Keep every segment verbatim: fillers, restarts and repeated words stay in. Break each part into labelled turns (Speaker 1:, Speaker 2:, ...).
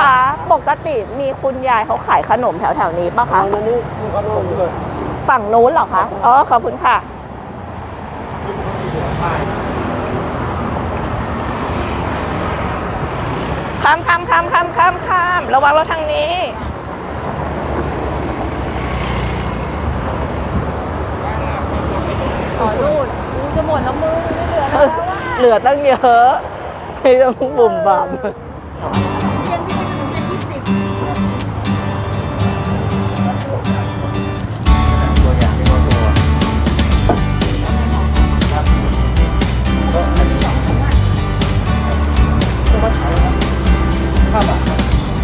Speaker 1: คะปกติมีคุณยายเขาขายขนมแถวๆนี้ป่ะคะ
Speaker 2: อันนี้มีขนมด้วย
Speaker 1: ฝั่งนู้นเหรอคะอ๋อขอบคุณค่ะข้ามข้ามข้ามข้ามข้ามข้ามระวังรถทางนี้อ๋อนู่นมึงจะหมดแล้วมึงไม่เหลือแล้วว่าเหลือตั้งเยอะไม่ต้องบุ่มบ่าม
Speaker 2: ตัวอย่างที่ว่าตัวครับก็อันนี้ตัวมาขายนะห้าบาท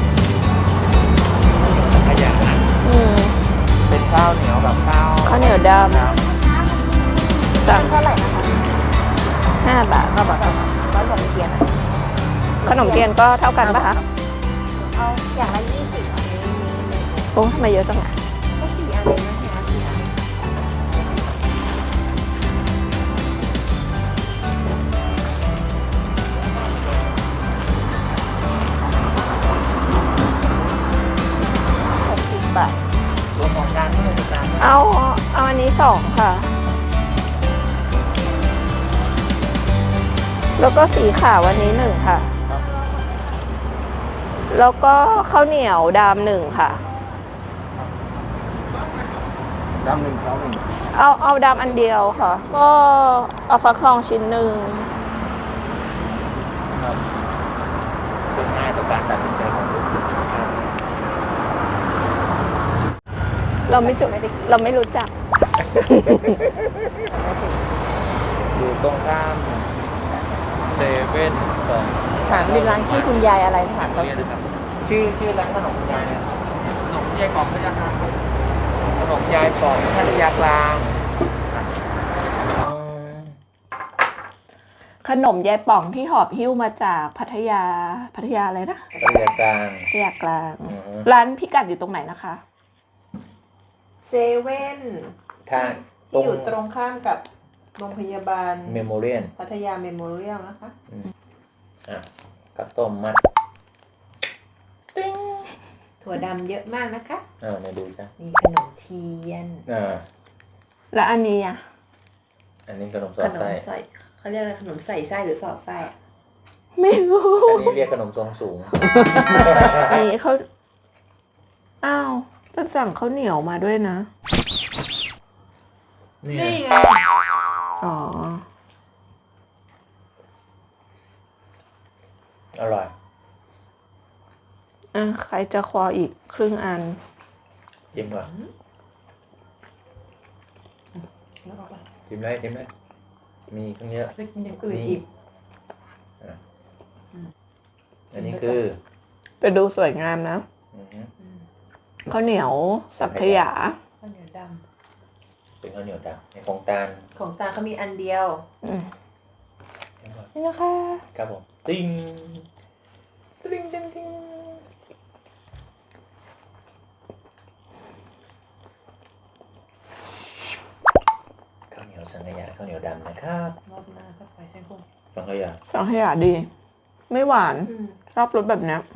Speaker 2: ขยะนะ
Speaker 1: อืม
Speaker 2: เป็นข้าวเหนียวแบบข้าว
Speaker 1: ข้าวเหนียวดำ
Speaker 2: ครับ
Speaker 1: สั่ง
Speaker 3: เท่าไหร่นะคะ
Speaker 1: ห้าบาท
Speaker 3: ร้อยกว่าเทียน
Speaker 1: ขนมเทียนก็เท่ากันปะคะ
Speaker 3: เอาอย่างละยี่สิบอันนี้มีหนึ่ง
Speaker 1: โอ้ทำไมเยอะจังอะ
Speaker 3: ก็สี่อันเลยนะเนี่ยสี่อัน
Speaker 1: หกสิบบาท
Speaker 2: รวมของการเท่าไหร่จาน
Speaker 1: เอา เอาอันนี้สองค่ะ แล้วก็สีขาววันนี้หนึ่งค่ะ แล้วก็ข้าวเหนียวดำหนึ่งค่ะ
Speaker 2: ดำหนึ่งขาวหนึ่ง
Speaker 1: เอาเอาดำอันเดียวค่ะ ก็เอาฟักทองชิ้นหนึ่ง
Speaker 2: ครับเป็นง่ายต่อการตัดสินใจของลูกค้า
Speaker 1: เราไม่จุเราไม่รู้จัก
Speaker 2: อยู่ตรงข้ามเซเว่นสอง
Speaker 1: ถามเป็นร้านที่คุณยายอะไรถามเขา
Speaker 2: เรียนนะครับชื่อชื่อร้านขนมยายเนี่ยขนมยายกล่องพัทยากลางขนมยายกล่องพัทยากลาง
Speaker 1: ขนมยายป่องที่หอบหิ้วมาจากพัทยา พัทยาอะไรนะ
Speaker 2: พัทยากลาง
Speaker 1: พัทยากลาง
Speaker 2: อือฮึ
Speaker 1: ร้านพิกัดอยู่ตรงไหนนะคะ
Speaker 3: เซเว่น
Speaker 2: ทางตร
Speaker 3: ที่
Speaker 2: ง
Speaker 3: อยู่ตรงข้ามกับโรงพยาบาล
Speaker 2: เมโมเรียน
Speaker 3: พัทยาเมโมเรียลนะคะ
Speaker 2: อ่ะกับต้มมัด
Speaker 3: ถั่วดำเยอะมากนะคะ
Speaker 2: อ่าเนี่ยดูจ้ะ
Speaker 3: มีขนมเทียน
Speaker 2: อ่า
Speaker 1: แล้วอันนี้อ่ะ
Speaker 2: อันนี้ขนมสอ
Speaker 3: ข
Speaker 2: ด
Speaker 3: นม
Speaker 2: ไส้
Speaker 3: ใส่เขาเรียกอะไรขนมใส่ไส้หรือสอดไส้อะ
Speaker 1: ไม่รู้
Speaker 2: อันนี้เรียกขนมทรงสูง
Speaker 1: อันนี้เขาอ้าวต้นสั่งข้าวเหนียวมาด้วยนะ
Speaker 2: นี่
Speaker 3: นี่ไง
Speaker 1: อ๋อ
Speaker 2: อร่อย
Speaker 1: อ่ะ ใครจะคออีกครึ่งอัน
Speaker 2: จิ้มก่อนจิ้มได้จิ้มได้มีตั้งเยอะ
Speaker 3: จะกินอย่างอื่นอีก
Speaker 2: อันนี้คือ
Speaker 1: ไปดูสวยงามนะ
Speaker 2: อือฮึ
Speaker 1: ข้าวเหนียวสังขยา
Speaker 3: ข้าวเหนียวด
Speaker 2: เป็นข้าวเหนียวดำในของตาล
Speaker 3: ำของตาเขามีอันเดียว
Speaker 1: อืมนี่นะคะ
Speaker 2: ครับผมติ้งติ้งติ้งติ้งข้าวเหนียวสังขยาข้าวเหนียวดำนะครับ
Speaker 3: รอบหน้าก็ไปใช่ไหม
Speaker 2: สังขยา
Speaker 1: สังขยาดี ไม่หวาน
Speaker 3: อืม
Speaker 1: ชอบรสแบบเนี้ย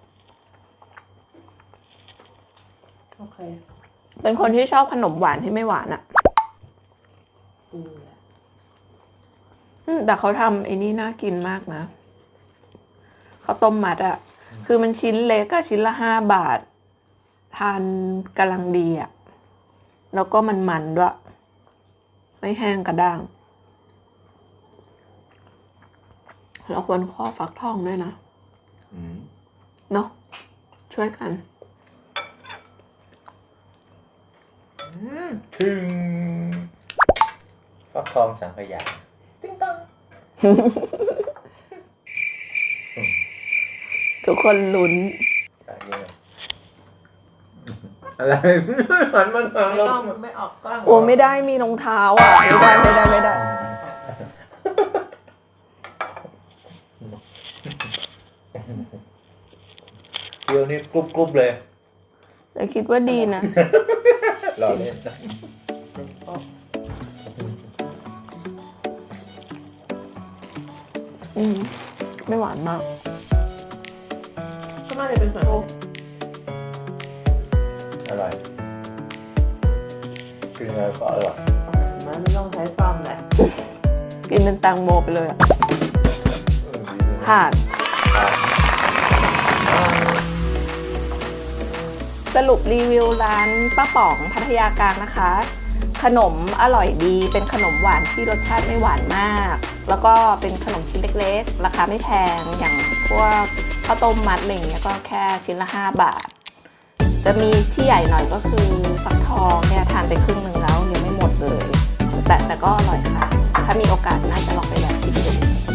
Speaker 3: โอเค
Speaker 1: เป็นคนที่ชอบขนมหวานที่ไม่หวานอะ่ะ
Speaker 3: ดีอะ
Speaker 1: อืมแต่เขาทำไอ้นี่น่ากินมากนะข้าวต้มมัดอะ่ะ คือมันชิ้นเล็กก็ชิ้นละห้าบาท ทานกำลังดีอะ่ะ แล้วก็มันมันด้วย ไม่แห้งกระด้าง เราควรข้อฟักทองด้วยนะ
Speaker 2: อืม
Speaker 1: เนาะช่วยกัน
Speaker 2: ถึงฟักทองสังขยาติ้งตัง
Speaker 1: ทุกคนลุ้น
Speaker 2: อะไรหันมาทาง
Speaker 3: ไม่
Speaker 2: เรา
Speaker 3: ต้องไม่ออกกล้อง
Speaker 1: โอ้ไม่ได้มีรองเท้าอ่ะ ไม่ได้ไม่ได้ไม่ได้
Speaker 2: เดี๋ยวนี้กรุบกรุบเลย
Speaker 1: แต่คิดว่าดีนะ
Speaker 2: รอเล่น
Speaker 1: อืมไม่หวานมาก
Speaker 3: ก็
Speaker 1: น่าจะเป็นส่วนโอ้
Speaker 2: อร่อยกินอะไรก็อร่อย
Speaker 1: มันไม่ต้องใช้ซ่อมแหละ กินเป็นแตงโมไปเลยอ่ะ
Speaker 2: อืม
Speaker 1: ผ่าน
Speaker 2: ครับ
Speaker 1: สรุปรีวิวร้านป้าป๋องพัทยากลางนะคะ ขนมอร่อยดีเป็นขนมหวานที่รสชาติไม่หวานมาก แล้วก็เป็นขนมชิ้นเล็กๆ ราคาไม่แพงอย่างพวกข้าวต้มมัดอะไรอย่างเงี้ยก็แค่ชิ้นละห้าบาท จะมีที่ใหญ่หน่อยก็คือฟักทองเนี่ยทานไปครึ่งหนึ่งแล้วยังไม่หมดเลย แต่แต่ก็อร่อยค่ะ ถ้ามีโอกาสน่าจะลองไปแบบกินดู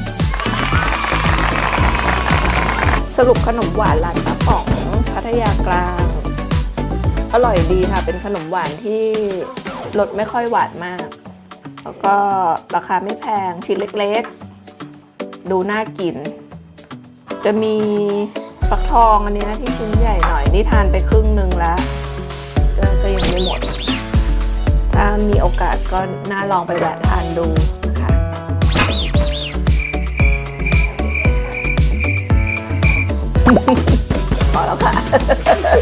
Speaker 1: สรุปขนมหวานร้านป้าป๋องพัทยากลาง อร่อยดีค่ะ เป็นขนมหวานที่รสไม่ค่อยหวานมาก แล้วก็ราคาไม่แพงชิ้นเล็กๆ ดูน่ากิน จะมีฟักทองอันนี้นะที่ชิ้นใหญ่หน่อยนี่ทานไปครึ่งหนึ่งแล้วก็ก็ยังไม่หมด ถ้ามีโอกาสก็น่าลองไปแวะทานดูนะคะพอแล้วค่ะ